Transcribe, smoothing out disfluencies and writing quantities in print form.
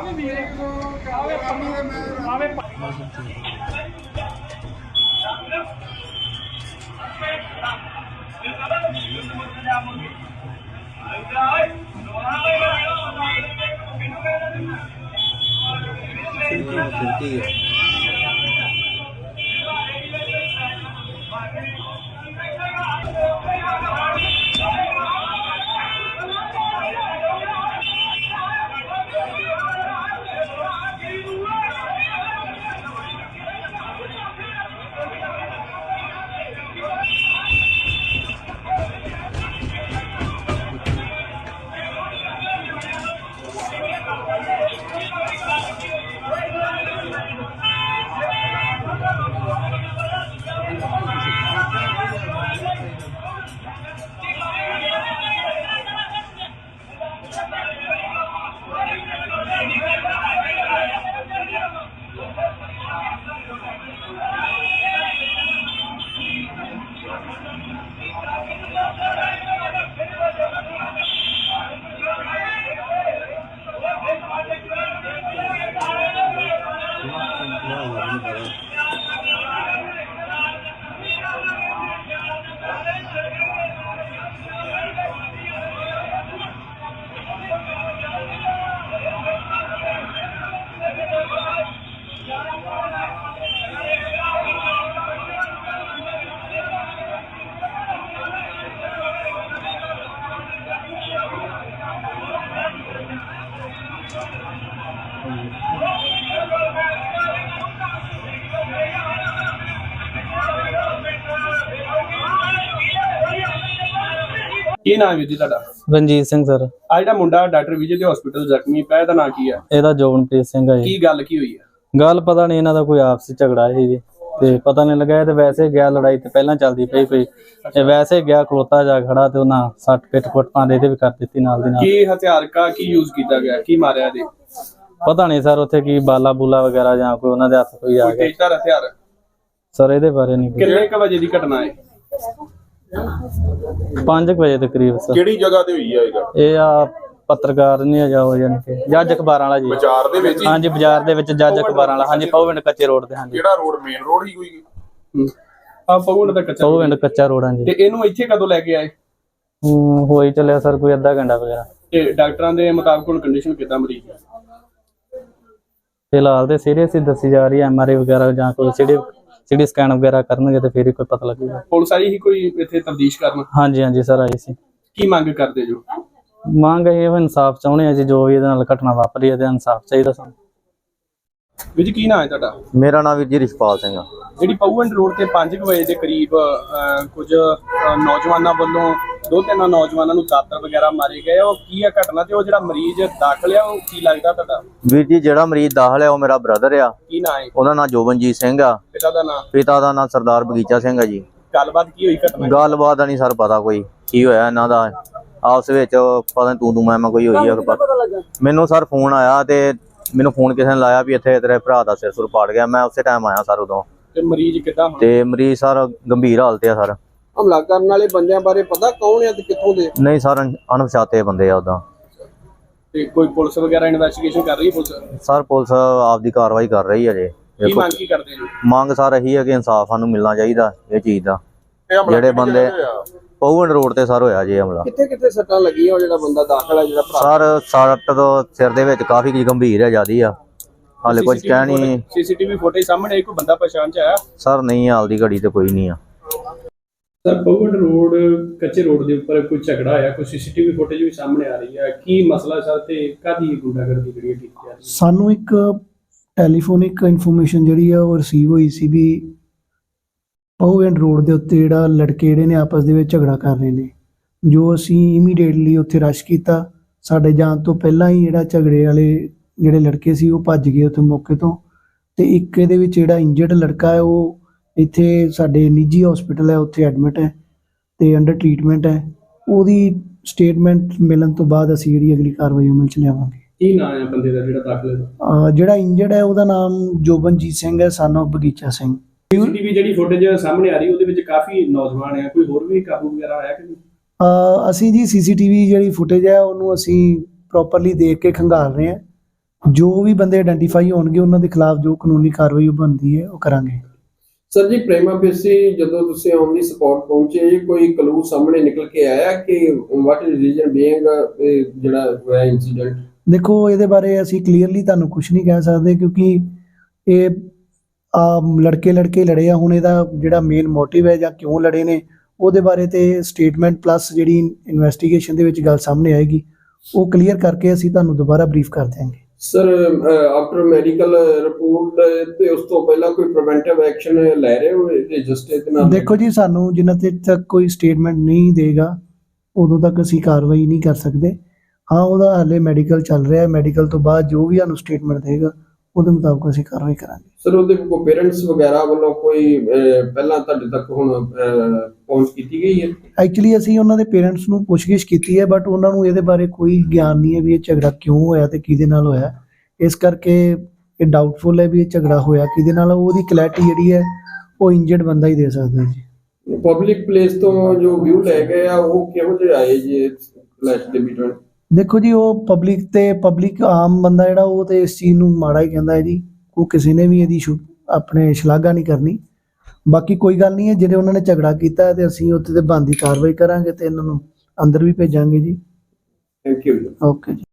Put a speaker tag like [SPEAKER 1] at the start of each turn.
[SPEAKER 1] ਕੀ ਨਾਮ ਹੈ ਜੀ ਤੁਹਾਡਾ?
[SPEAKER 2] ਰਣਜੀਤ ਸਿੰਘ ਸਰ।
[SPEAKER 1] ਆ ਜਿਹੜਾ ਮੁੰਡਾ ਡਾਕਟਰ ਵਿਜੇ ਦੇ ਹਸਪੀਟਲ ਜ਼ਖਮੀ ਪਿਆ, ਇਹਦਾ ਨਾਂ ਕੀ ਹੈ?
[SPEAKER 2] ਇਹਦਾ ਜੋਬਨਪ੍ਰੀਤ ਸਿੰਘ ਹੈ ਜੀ।
[SPEAKER 1] ਕੀ ਗੱਲ ਕੀ ਹੋਈ ਹੈ?
[SPEAKER 2] ਗੱਲ ਪਤਾ ਨਹੀਂ, ਇਹਨਾਂ ਦਾ ਕੋਈ ਆਪਸੀ ਝਗੜਾ ਸੀ ਜੀ, ਤੇ ਪਤਾ ਨਹੀਂ ਲੱਗਾ। ਇਹ ਤੇ ਵੈਸੇ ਗਿਆ, ਲੜਾਈ ਤੇ ਪਹਿਲਾਂ ਚੱਲਦੀ ਪਈ ਕੋਈ, ਇਹ ਵੈਸੇ ਗਿਆ ਖਲੋਤਾ ਜਾ ਖੜਾ ਤੇ ਉਹਨਾਂ ਸੱਟ ਪਿੱਟ ਪਾਉਂਦੇ ਇਹਦੇ ਵੀ ਕਰ ਦਿੱਤੀ ਨਾਲ ਦੀ ਨਾਲ।
[SPEAKER 1] ਕੀ ਹਥਿਆਰ ਕੀ ਯੂਜ਼ ਕੀਤਾ ਗਿਆ, ਕੀ ਮਾਰਿਆ ਇਹਦੇ?
[SPEAKER 2] ਪਤਾ ਨਹੀਂ ਸਰ, ਉੱਥੇ ਕੀ ਬਾਲਾ ਬੂਲਾ ਵਗੈਰਾ ਜਾਂ ਕੋਈ ਉਹਨਾਂ ਦੇ ਹੱਥ ਕੋਈ ਆ ਗਿਆ।
[SPEAKER 1] ਤੇਜ਼ਧਾਰ ਹਥਿਆਰ
[SPEAKER 2] ਸਰ ਇਹਦੇ ਬਾਰੇ ਨਹੀਂ।
[SPEAKER 1] ਕਿੰਨੇ ਕ ਵਜੇ ਦੀ ਘਟਨਾ ਹੈ?
[SPEAKER 2] 5 ਵਜੇ ਦੇ ਕਰੀਬ ਸਰ।
[SPEAKER 3] ਕਿਹੜੀ ਜਗ੍ਹਾ ਤੇ ਹੋਈ ਆ
[SPEAKER 2] ਇਹ ਆ ਪੱਤਰਕਾਰ ਨਹੀਂ ਆ ਜਾਓ, ਯਾਨੀ ਕਿ ਜੱਜ ਅਖਬਾਰਾਂ ਵਾਲਾ ਜੀ।
[SPEAKER 3] ਬਾਜ਼ਾਰ ਦੇ ਵਿੱਚ?
[SPEAKER 2] ਹਾਂਜੀ ਬਾਜ਼ਾਰ ਦੇ ਵਿੱਚ ਜੱਜ ਅਖਬਾਰਾਂ ਵਾਲਾ। ਹਾਂਜੀ ਪੌਵਿੰਡ ਕੱਚੇ ਰੋਡ ਤੇ। ਹਾਂਜੀ
[SPEAKER 3] ਕਿਹੜਾ ਰੋਡ? ਮੇਨ ਰੋਡ ਹੀ ਕੋਈ?
[SPEAKER 1] ਆ ਪੌਵਿੰਡ ਦਾ ਕੱਚਾ?
[SPEAKER 2] ਪੌਵਿੰਡ ਕੱਚਾ ਰੋਡ। ਹਾਂਜੀ।
[SPEAKER 1] ਤੇ ਇਹਨੂੰ ਇੱਥੇ ਕਦੋਂ ਲੈ ਕੇ ਆਏ?
[SPEAKER 2] ਹੋਈ ਚੱਲਿਆ ਸਰ ਕੋਈ ਅੱਧਾ ਘੰਟਾ ਵਗੈਰਾ।
[SPEAKER 1] ਤੇ ਡਾਕਟਰਾਂ ਦੇ ਮੁਤਾਬਕ ਹੁਣ ਕੰਡੀਸ਼ਨ ਕਿੱਦਾਂ ਮਰੀਜ਼ ਦੀ?
[SPEAKER 2] ਫਿਲਹਾਲ ਤੇ ਸੀਰੀਅਸ ਹੀ ਦੱਸੀ ਜਾ ਰਹੀ ਹੈ। ਐਮਆਰਆਈ ਵਗੈਰਾ ਜਾਂ ਕੋਈ ਸਿਟੀ ਸਕੈਨ ਵਗੈਰਾ ਕਰਨਗੇ ਤੇ ਫਿਰ ਹੀ ਕੋਈ ਪਤਾ ਲੱਗੇਗਾ।
[SPEAKER 1] ਪੁਲਿਸ ਆਈ ਹੀ ਕੋਈ ਇੱਥੇ ਤਫਤੀਸ਼ ਕਰਨ?
[SPEAKER 2] ਹਾਂਜੀ ਹਾਂਜੀ ਸਰ ਆਈ ਸੀ।
[SPEAKER 1] ਕੀ ਮੰਗ ਕਰਦੇ ਜੋ?
[SPEAKER 2] ਮੰਗ ਇਹ ਇਨਸਾਫ ਚਾਹੁੰਦੇ ਆ ਜੀ, ਜੋ ਵੀ ਇਹਦੇ ਨਾਲ ਘਟਨਾ ਵਾਪਰੀ ਇਹਦੇ ਇਨਸਾਫ ਚਾਹੀਦਾ ਸਾਨੂੰ।
[SPEAKER 1] ਵੀਰ ਕੀ ਨਾਮ ਹੈ ਤੁਹਾਡਾ?
[SPEAKER 4] ਮੇਰਾ ਨਾਮ ਵੀਰ ਜੀ ਰਿਸ਼ਪਾਲ ਸਿੰਘ ਆ।
[SPEAKER 1] ਜਿਹੜੀ ਪੌਵਿੰਡ ਰੋਡ ਤੇ 5 ਵਜੇ ਦੇ ਕਰੀਬ ਕੁਝ ਨੌਜਵਾਨਾਂ ਵੱਲੋਂ 2-3 ਨੌਜਵਾਨਾਂ ਨੂੰ ਦਾਤਰ ਵਗੈਰਾ ਮਾਰੇ ਗਏ, ਉਹ ਕੀ ਆ ਘਟਨਾ? ਤੇ ਉਹ ਜਿਹੜਾ ਮਰੀਜ਼ ਦਾਖਲ ਆ ਉਹ ਕੀ ਲੱਗਦਾ ਤੁਹਾਡਾ?
[SPEAKER 4] ਵੀਰ ਜੀ ਜਿਹੜਾ ਮਰੀਜ਼ ਦਾਖਲ ਆ ਉਹ ਮੇਰਾ ਬ੍ਰਦਰ ਆ।
[SPEAKER 1] ਕੀ ਨਾਮ ਹੈ
[SPEAKER 4] ਉਹਦਾ ਨਾਮ ਜੋਬਨਜੀਤ ਸਿੰਘ ਆ।
[SPEAKER 1] ਪਿਤਾ ਦਾ ਨਾਮ?
[SPEAKER 4] ਪਿਤਾ ਦਾ ਨਾਮ ਸਰਦਾਰ ਬਗੀਚਾ ਸਿੰਘ ਆ ਜੀ।
[SPEAKER 1] ਗੱਲਬਾਤ ਕੀ ਹੋਈ ਘਟਨਾ?
[SPEAKER 4] ਗੱਲਬਾਤ ਦਾ ਨਹੀਂ ਸਰ ਪਤਾ ਕੋਈ ਕੀ ਹੋਇਆ ਇਹਨਾਂ ਦਾ ਆਪਸ ਵਿੱਚ, ਪਤਾ ਨੀ ਤੂੰ ਮੈਂ ਕੋਈ ਹੋਈ ਆ। ਮੈਨੂੰ ਸਰ ਫੋਨ ਆਇਆ ਤੇ ਮੈਨੂੰ ਫੋਨ ਕਿਸੇ ਨੇ ਲਾਇਆ ਵੀ ਇੱਥੇ ਤੇਰੇ ਭਰਾ ਦਾ ਸਿਰ ਸੁਰ ਪਾੜ ਗਿਆ। ਮੈਂ ਉਸੇ ਟਾਈਮ ਆਇਆ ਸਰ ਉਦੋਂ।
[SPEAKER 1] ਤੇ ਮਰੀਜ਼ ਕਿੱਦਾਂ?
[SPEAKER 4] ਤੇ ਮਰੀਜ਼ ਸਰ ਗੰਭੀਰ ਹਾਲਤ ਆ ਸਰ।
[SPEAKER 1] ਹਮਲਾ ਕਰਨ ਵਾਲੇ ਬੰਦਿਆਂ ਬਾਰੇ ਪਤਾ ਕੌਣ ਆ ਤੇ ਕਿੱਥੋਂ ਦੇ?
[SPEAKER 4] ਨਹੀਂ ਸਰ ਅਣਪਛਾਤੇ ਬੰਦੇ ਆ ਉਦਾਂ।
[SPEAKER 1] ਤੇ ਕੋਈ ਪੁਲਿਸ ਵਗੈਰਾ ਇਨਵੈਸਟੀਗੇਸ਼ਨ ਕਰ ਰਹੀ ਹੈ? ਪੁਲਿਸ
[SPEAKER 4] ਸਰ ਪੁਲਿਸ ਆਪਦੀ ਕਾਰਵਾਈ ਕਰ ਰਹੀ ਹੈ ਜੇ।
[SPEAKER 1] ਕੀ ਮੰਗ ਕੀ ਕਰਦੇ ਜੀ?
[SPEAKER 4] ਮੰਗ ਸਰ ਇਹੀ ਹੈ ਕਿ ਇਨਸਾਫ ਸਾਨੂੰ ਮਿਲਣਾ ਚਾਹੀਦਾ ਇਹ ਚੀਜ਼ ਦਾ। ਜਿਹੜੇ ਬੰਦੇ ਪੌਵਿੰਡ ਰੋਡ ਤੇ ਸਰ ਹੋਇਆ ਜੀ ਹਮਲਾ।
[SPEAKER 1] ਕਿੱਥੇ ਕਿੱਥੇ ਸੱਟਾਂ ਲੱਗੀਆਂ? ਉਹ ਜਿਹੜਾ ਬੰਦਾ ਦਾਖਲ ਹੈ ਜਿਹੜਾ ਭਰਾ?
[SPEAKER 4] ਸਰ ਸੱਟ ਤੋਂ ਸਿਰ ਦੇ ਵਿੱਚ ਕਾਫੀ ਗੰਭੀਰ ਹੈ ਜਿਆਦੀ ਆ। ਹਾਲੇ ਕੁਝ ਕਹਿ ਨਹੀਂ।
[SPEAKER 1] ਸੀਸੀਟੀਵੀ ਫੁਟੇਜ ਸਾਹਮਣੇ ਆਈ, ਕੋਈ ਬੰਦਾ ਪਛਾਣ ਚ ਆਇਆ?
[SPEAKER 4] ਸਰ ਨਹੀਂ, ਹਾਲ ਦੀ ਘੜੀ ਤੇ ਕੋਈ ਨਹੀਂ ਆ।
[SPEAKER 1] ਸਰ ਪੌਵਿੰਡ ਰੋਡ ਕੱਚੇ ਰੋਡ ਦੇ ਉੱਪਰ ਕੋਈ ਝਗੜਾ ਆਇਆ, ਕੋਈ ਸੀਸੀਟੀਵੀ ਫੁਟੇਜ ਵੀ ਸਾਹਮਣੇ ਆ ਰਹੀ ਹੈ, ਕੀ ਮਸਲਾ ਸਰ ਤੇ ਕਾਹਦੀ ਗੁੰਡਾਗਰਦੀ ਜਿਹੜੀ ਕੀਤੀ ਜਾ ਰਹੀ?
[SPEAKER 5] ਸਾਨੂੰ ਇੱਕ ਟੈਲੀਫੋਨਿਕ ਇਨਫੋਰਮੇਸ਼ਨ ਜਿਹੜੀ ਆ ਉਹ ਰਿਸੀਵ ਹੋਈ ਸੀ ਵੀ ਪੌਵਿੰਡ ਰੋਡ ਦੇ ਉੱਤੇ ਜਿਹੜਾ ਲੜਕੇ ਜਿਹੜੇ ਨੇ ਆਪਸ ਦੇ ਵਿੱਚ ਝਗੜਾ ਕਰ ਰਹੇ ਨੇ। ਜੋ ਅਸੀਂ ਇਮੀਡੀਏਟਲੀ ਉੱਥੇ ਰਸ਼ ਕੀਤਾ। ਸਾਡੇ ਜਾਣ ਤੋਂ ਪਹਿਲਾਂ ਹੀ ਜਿਹੜਾ ਝਗੜੇ ਵਾਲੇ ਜਿਹੜੇ ਲੜਕੇ ਸੀ ਉਹ ਭੱਜ ਗਏ ਉੱਥੇ ਮੌਕੇ ਤੋਂ। ਤੇ ਇੱਕ ਇਹਦੇ ਵਿੱਚ ਜਿਹੜਾ ਇੰਜਰਡ ਲੜਕਾ ਹੈ ਉਹ ਇੱਥੇ ਸਾਡੇ ਨਿੱਜੀ ਹਸਪੀਟਲ ਹੈ, ਉੱਥੇ ਐਡਮਿਟ ਹੈ ਤੇ ਅੰਡਰ ਟ੍ਰੀਟਮੈਂਟ ਹੈ। ਉਹਦੀ ਸਟੇਟਮੈਂਟ ਮਿਲਣ ਤੋਂ ਬਾਅਦ ਅਸੀਂ ਜਿਹੜੀ ਅਗਲੀ ਕਾਰਵਾਈ ਅਮਲ 'ਚ ਲਿਆਵਾਂਗੇ।
[SPEAKER 1] ਕੀ ਨਾਮ ਹੈ ਬੰਦੇ ਦਾ ਜਿਹੜਾ ਦਾਖਲ ਹੈ?
[SPEAKER 5] ਜਿਹੜਾ ਇੰਜਰਡ ਹੈ ਉਹਦਾ ਨਾਮ ਜੋਬਨਜੀਤ ਸਿੰਘ ਹੈ, ਸਨ ਆਫ ਬਗੀਚਾ ਸਿੰਘ।
[SPEAKER 1] ਸੀਸੀਟੀਵੀ ਜਿਹੜੀ ਫੁਟੇਜ ਸਾਹਮਣੇ ਆ ਰਹੀ ਉਹਦੇ ਵਿੱਚ ਕਾਫੀ ਨੌਜਵਾਨ ਆ, ਕੋਈ ਹੋਰ ਵੀ ਕਾਬੂ ਵਗੈਰਾ ਆਇਆ ਕਿ ਨਹੀਂ?
[SPEAKER 5] ਅਸੀਂ ਜੀ ਸੀਸੀਟੀਵੀ ਜਿਹੜੀ ਫੁਟੇਜ ਹੈ ਉਹਨੂੰ ਅਸੀਂ ਪ੍ਰੋਪਰਲੀ ਦੇਖ ਕੇ ਖੰਗਾਲ ਰਹੇ ਹਾਂ। ਜੋ ਵੀ ਬੰਦੇ ਆਇਡੈਂਟੀਫਾਈ ਹੋਣਗੇ ਉਹਨਾਂ ਦੇ ਖਿਲਾਫ ਜੋ ਕਾਨੂੰਨੀ ਕਾਰਵਾਈ ਉਹ ਬਣਦੀ ਹੈ ਉਹ ਕਰਾਂਗੇ।
[SPEAKER 6] ਸਰ ਜੀ ਪ੍ਰਾਈਮਾ ਫੇਸੀ ਜਦੋਂ ਤੁਸੀਂ ਔਨ ਦੀ ਸਪੌਟ ਪਹੁੰਚੇ ਜੀ ਕੋਈ ਕਲੂ ਸਾਹਮਣੇ ਨਿਕਲ ਕੇ ਆਇਆ ਕਿ ਵਾਟ ਇਜ਼ ਰੀਜ਼ਨ ਬੀਇੰਗ ਜਿਹੜਾ ਹੋਇਆ ਇਨਸੀਡੈਂਟ?
[SPEAKER 5] ਦੇਖੋ ਇਹਦੇ ਬਾਰੇ ਅਸੀਂ ਕਲੀਅਰਲੀ ਤੁਹਾਨੂੰ ਕੁਝ ਨਹੀਂ ਕਹਿ ਸਕਦੇ ਕਿਉਂਕਿ ਇਹ ਲੜਕੇ ਲੜੇ ਆ। ਹੁਣ ਇਹਦਾ ਜਿਹੜਾ ਮੇਨ ਮੋਟਿਵ ਹੈ ਜਾਂ ਕਿਉਂ ਲੜੇ ਨੇ ਉਹਦੇ ਬਾਰੇ ਤੇ ਸਟੇਟਮੈਂਟ ਪਲੱਸ ਜਿਹੜੀ ਇਨਵੈਸਟੀਗੇਸ਼ਨ ਦੇ ਵਿੱਚ ਗੱਲ ਸਾਹਮਣੇ ਆਏਗੀ ਉਹ ਕਲੀਅਰ ਕਰਕੇ ਅਸੀਂ ਤੁਹਾਨੂੰ ਦੁਬਾਰਾ ਬਰੀਫ ਕਰ ਦਿਆਂਗੇ।
[SPEAKER 6] ਸਰ ਆਫਟਰ ਮੈਡੀਕਲ ਰਿਪੋਰਟ ਤੇ ਉਸ ਤੋਂ ਪਹਿਲਾਂ ਕੋਈ ਪ੍ਰੀਵੈਂਟਿਵ ਐਕਸ਼ਨ ਲੈ ਰਹੇ ਹੋ ਇਹਦੇ ਜਸਟਿਸ ਦੇ ਨਾਲ?
[SPEAKER 5] ਦੇਖੋ ਜੀ ਸਾਨੂੰ ਜਿੰਨਾ ਚਿਰ ਤੱਕ ਕੋਈ ਸਟੇਟਮੈਂਟ ਨਹੀਂ ਦੇਗਾ ਉਦੋਂ ਤੱਕ ਅਸੀਂ ਕਾਰਵਾਈ ਨਹੀਂ ਕਰ ਸਕਦੇ। ਹਾਂ ਉਹਦਾ ਹਾਲੇ ਮੈਡੀਕਲ ਚੱਲ ਰਿਹਾ ਹੈ, ਮੈਡੀਕਲ ਤੋਂ ਬਾਅਦ ਜੋ ਵੀ ਸਾਨੂੰ ਸਟੇਟਮੈਂਟ ਦੇਗਾ ਉਹਦੇ ਮੁਤਾਬਕ ਅਸੀਂ ਕਾਰਵਾਈ ਕਰਾਂਗੇ।
[SPEAKER 6] ਸਰ ਉਹਦੇ ਕੋਈ ਪੇਰੈਂਟਸ ਵਗੈਰਾ ਵੱਲੋਂ ਕੋਈ ਪਹਿਲਾਂ ਤੁਹਾਡੇ ਤੱਕ ਹੁਣ ਪਹੁੰਚ ਕੀਤੀ ਗਈ ਹੈ?
[SPEAKER 5] ਐਕਚੁਅਲੀ ਅਸੀਂ ਉਹਨਾਂ ਦੇ ਪੇਰੈਂਟਸ ਨੂੰ ਪੁੱਛਗਿੱਛ ਕੀਤੀ ਹੈ ਬਟ ਉਹਨਾਂ ਨੂੰ ਇਹਦੇ ਬਾਰੇ ਕੋਈ ਗਿਆਨ ਨਹੀਂ ਹੈ ਵੀ ਇਹ ਝਗੜਾ ਕਿਉਂ ਹੋਇਆ ਤੇ ਕਿਹਦੇ ਨਾਲ ਹੋਇਆ। ਇਸ ਕਰਕੇ ਇਹ ਡਾਊਟਫੁਲ ਹੈ ਵੀ ਇਹ ਝਗੜਾ ਹੋਇਆ ਕਿਹਦੇ ਨਾਲ। ਉਹਦੀ ਕਲੈਰਿਟੀ ਜਿਹੜੀ ਹੈ ਉਹ ਇੰਜਰਡ ਬੰਦਾ ਹੀ ਦੇ ਸਕਦਾ ਜੀ।
[SPEAKER 6] ਪਬਲਿਕ ਪਲੇਸ ਤੋਂ ਜੋ ਵਿਊ ਲੈ ਗਏ ਆ ਉਹ ਕਿਹੋ ਜਿਹੇ ਆਏ ਜੀ ਕਲੈਸ਼ ਦੇ ਵਿੱਚ?
[SPEAKER 5] ਦੇਖੋ ਜੀ ਉਹ ਪਬਲਿਕ ਆਮ ਬੰਦਾ ਜਿਹੜਾ ਉਹ ਤੇ ਇਸ ਚੀਜ਼ ਨੂੰ ਮਾੜਾ ਹੀ ਕਹਿੰਦਾ ਹੈ ਜੀ। ਉਹ ਕਿਸੇ ਨੇ ਵੀ ਇਹਦੀ ਆਪਣੇ ਸ਼ਲਾਘਾ ਨਹੀਂ ਕਰਨੀ। ਬਾਕੀ ਕੋਈ ਗੱਲ ਨਹੀਂ ਹੈ, ਜਿਹੜੇ ਉਹਨਾਂ ਨੇ ਝਗੜਾ ਕੀਤਾ ਤੇ ਅਸੀਂ ਉੱਥੇ ਤੇ ਬਣਦੀ ਕਾਰਵਾਈ ਕਰਾਂਗੇ ਤੇ ਇਹਨਾਂ ਨੂੰ ਅੰਦਰ ਵੀ ਭੇਜਾਂਗੇ ਜੀ।
[SPEAKER 6] Thank you.
[SPEAKER 5] ਓਕੇ ਜੀ।